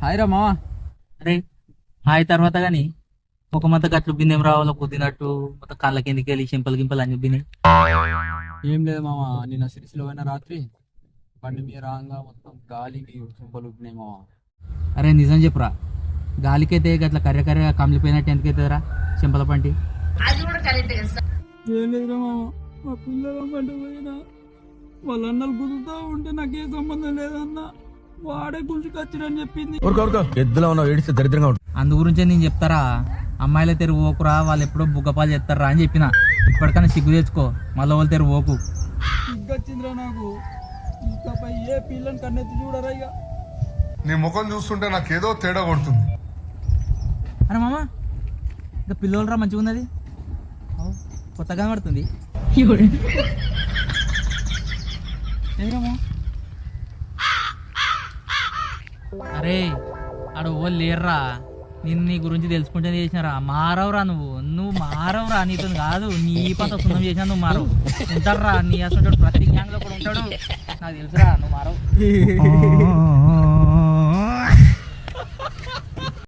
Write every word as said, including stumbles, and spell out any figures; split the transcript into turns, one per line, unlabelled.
Hi రా మావా.
అరే హాయ్ తర్వాత కానీ ఒక మొత్తం గట్లు బిందెం రావాలో కుదినట్టు మొత్తం కాళ్ళ కిందికి వెళ్ళి సింపల్ గింపల్ అని బిని
ఏం లేదు మావా, నిన్న సిరిసిలో పోయిన రాత్రి బండి మీద రాగా మొత్తం గాలికి చింపలు ఉప్పినాయి మావా.
అరే నిజం చెప్పురా, గాలికైతే గట్ల కర్రె కర్రె కమిలిపోయినట్టు ఎందుకైతుందిరా సింపల పంటి?
ఏం లేదురా మావా, మా పిల్లల బండి పోయినా వాళ్ళ అన్నలు కుదురుతూ ఉంటే నాకేం సంబంధం లేదన్నా, వాడే గుంజుకొచ్చిరని చెప్పింది.
ఎద్దులో ఉన్న ఏడిస్తే దరిద్రంగా ఉంటుంది.
అందు గురించే నేను చెప్తారా, అమ్మాయిల తెరు ఓకురా, వాళ్ళు ఎప్పుడో బుగ్గపాలు చేస్తారా అని చెప్పిన. ఇప్పటికైనా సిగ్గు తెచ్చుకో, మళ్ళీ వాళ్ళ తెరు ఓకు.
సిగ్గొచ్చిందిరా నాకు, ఇంకపై ఏ పిల్లని కన్నెత్తి చూడరా ఇక.
నీ ముఖం చూస్తుంటే నాకేదో తేడా కొడుతుంది.
అరే మామ, ఇంకా పిల్లోలు రా మంచిగా ఉన్నది, కొత్తగా పడుతుంది. అరే ఆడ ఓళ్ళు లేర్రా, నేను నీ గురించి తెలుసుకుంటే చేసినారా. మారవురా నువ్వు, నువ్వు మారవురా, నీతో కాదు నీ పంత సున్నం చేసినా నువ్వు మారవు. ఉంటారా నీ అసలు ప్రతి గ్యాంగ్ లో కూడా ఉంటాడు, నాకు తెలుసురా నువ్వు మారవు.